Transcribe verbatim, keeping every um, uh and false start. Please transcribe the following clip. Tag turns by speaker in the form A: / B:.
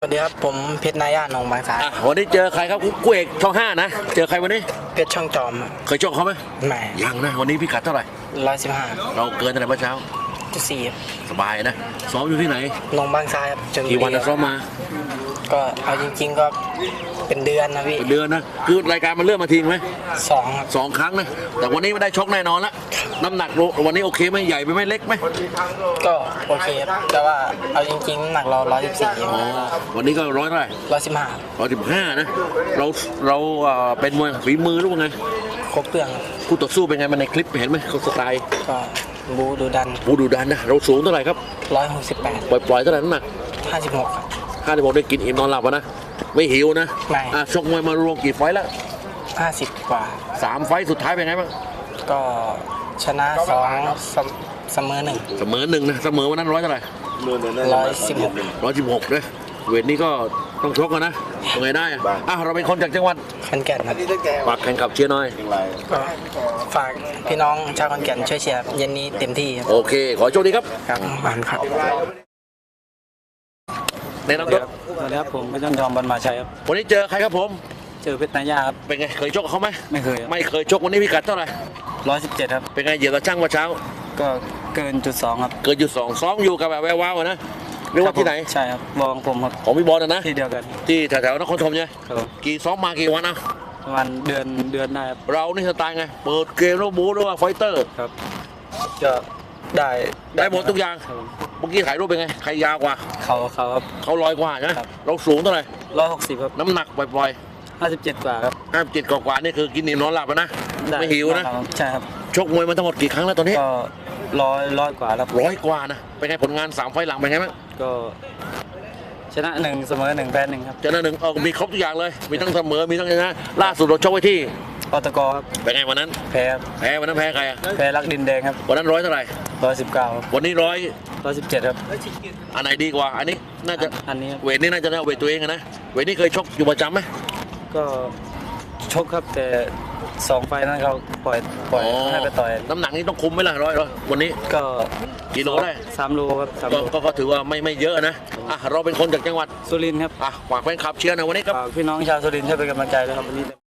A: สวัสดีครับผมเพชรนายาหนองบางสา
B: อ่ะวันนี้เจอใครครับกู้เอกช่องห้านะเจอใครวันนี้
A: เพชรช่องจอม
B: เคยชกเขาไหม
A: ไม่
B: ยังนะวันนี้พี่กัดเท่าไหร่
A: ร้อยสิบห้า
B: เราเกินอะไรเมื่อเช้า
A: จุดสี่
B: สบายนะซ้อมอยู่ที่ไหน
A: หนองบางสาครับจน
B: กี่วันซ้อมมา
A: ก็เอาจริงๆก็เป็นเดือนนะพี่
B: เป็นเดือนนะคือรายการมันเริ่มมาทิ้งไหม
A: สองครับ
B: สองครั้งนะแต่วันนี้ไม่ได้ชกแน่นอนละน้ำหนักวันนี้โอเคไหมใหญ่ไปไหมเล็กไหม
A: ก็โอเคครับแต่ว่าเอาจริงๆน้ำหนักเราร้อยสิบสี่
B: อ๋อวันนี้ก็ร้อยเท่าไหร่
A: ร้อยสิบห้า
B: ร้อยสิบห้านะเราเราเป็นมวยฝีมือหรือว่าไง
A: ครบเครื่อง
B: คู่ต่อสู้เป็นไงมันในคลิปเห็นไหมเขาสไตล์
A: ก็บูดูดัน
B: บูดูดันนะเราสูงเท่าไหร่ครับ
A: ร้อยหกสิบแปด
B: ปล่อยปล่อยเท่าไหร่น้ำหนัก
A: ห้าสิบหกครับ
B: ห้าสิบหกได้กินอิ่มนอนหลับนะไม่หิวนะ
A: ไม่
B: อ่ะชกมวยมารวมกี่ไฟต์แล้ว
A: ห้าสิบกว่า
B: สามไฟต์สุดท้ายเป็นไงบ้าง
A: ก็ชนะสองเสมอหนึ่ง
B: เสมอหนึ่งนะเสมอวันนั้นร้อยเท่าไหร่
A: ร้อยสิบหก
B: ร้อยสิบหกเลยเวทนี้ก็ต้องชกกันนะยังไงได้อ่ะอ่ะเราเป็นคนจากจังหวัด
A: ขอนแก่นครับ
B: ฝากแข่งขับเชียร์หน่อย
A: ก็ฝากพี่น้องชาวขอนแก่นช่วยเชียร์เย็นนี้เต็มที่
B: โอเคขอโชคดีครับ
A: ครับบานครับ
B: แนะนำตัว
A: สวัสดีครับผมเพชรช่องจอมบรรมาชัยครับ
B: วันนี้เจอใครครับผม
A: เจอเพชรนายาครับ
B: เป็นไงเคยชกเขาไหม
A: ไม่เคย
B: ไม่เคยชกวันนี้พิกัดเท่าไหร่
A: ร้อยสิบเจ็ดครับ
B: เป็นไงเหยียบตะช่างเมื่อเช้า
A: ก็เกินจุดสองครับ
B: เกินจุดสองซ้อมอยู่กับแบบแวววาวนะเรียกว่าที่ไหน
A: ใช่ครับบอลผมครับ
B: ของพี่บอลนะ
A: ที่เดียวกัน
B: ที่แถวๆนครธมใช่ไหมกี่ซ้อมมากี่วันนะ
A: ประมาณเดือนเดือนได้ครับ
B: เรานี่สไตล์ไงเปิดเกมแล้วบู๊หรือว่าไฟเตอร์
A: ครับจะได้
B: ได้หมดทุกอย่างเมื่อกี้ถ่ายรูปเป็นไงใครยาวกว่า
A: เขาเขาครับ
B: เขาลอยกว่าใช่ไหมเราสูงเท่าไหร่
A: ร้อยหกสิบครับ
B: น้ำหนักปล่อย
A: ๆห้าสิบเจ็ดกว่าครับ
B: ห้าสิบเจ็ดกว่านี่คือกินอิ่มนอนหลับนะไม่หิวนะ
A: ใช่ครับ
B: ชกมวยมาทั้งหมดกี่ครั้งแล้วตอนนี้
A: ก็ร้อยร้อยกว่าแล้ว
B: ร้อยกว่านะเป็นไงผลงานสามไฟหลังเป็นไงบ้าง
A: ก็ชนะหนึ่งเสมอหนึ่งแพ้หนึ่งครับ
B: ชนะหนึ่งเออมีครบทุกอย่างเลยมีทั้งเสมอมีทั้งชนะล่าสุดเราชกไว้ที่
A: อตกครับ
B: เป็นไงวันนั้น
A: แพ้
B: แพ้วันนั้นแพ้ใครอ่ะ
A: แพ้รักดินแดงครับ
B: วันนั้นร้อยเท่าไหร่
A: ร้อยสิบเก้า
B: วันนี้ร้อย
A: ร้อยสิบเจ็ดครับ
B: อันไหนดีกว่าอันนี้น่าจะ
A: อันนี้
B: เวทนี้น่าจะได้เวทตัวเองนะเวทนี้เคยชกอยู่ประจำไหม
A: ก็ชกครับแต่สองไฟนั้นเขาปล่อยปล่อยให้ไปต่อย
B: น้ำหนักนี้ต้องคุมไหมล่ะร้อยร้อยวันนี้
A: ก็
B: กิโลได้
A: สามโลครับ
B: ก็ก็ถือว่าไม่ไม่เยอะนะอ่ะเราเป็นคนจากจังหวัด
A: สุรินทร์ครับ
B: อ่ะฝากแฟนคลับเชียร์หน่อยวันนี้ครับ
A: พี่น้องชาวสุรินทร์ช่วยเป็นกำลังใจด้วยครับวันนี้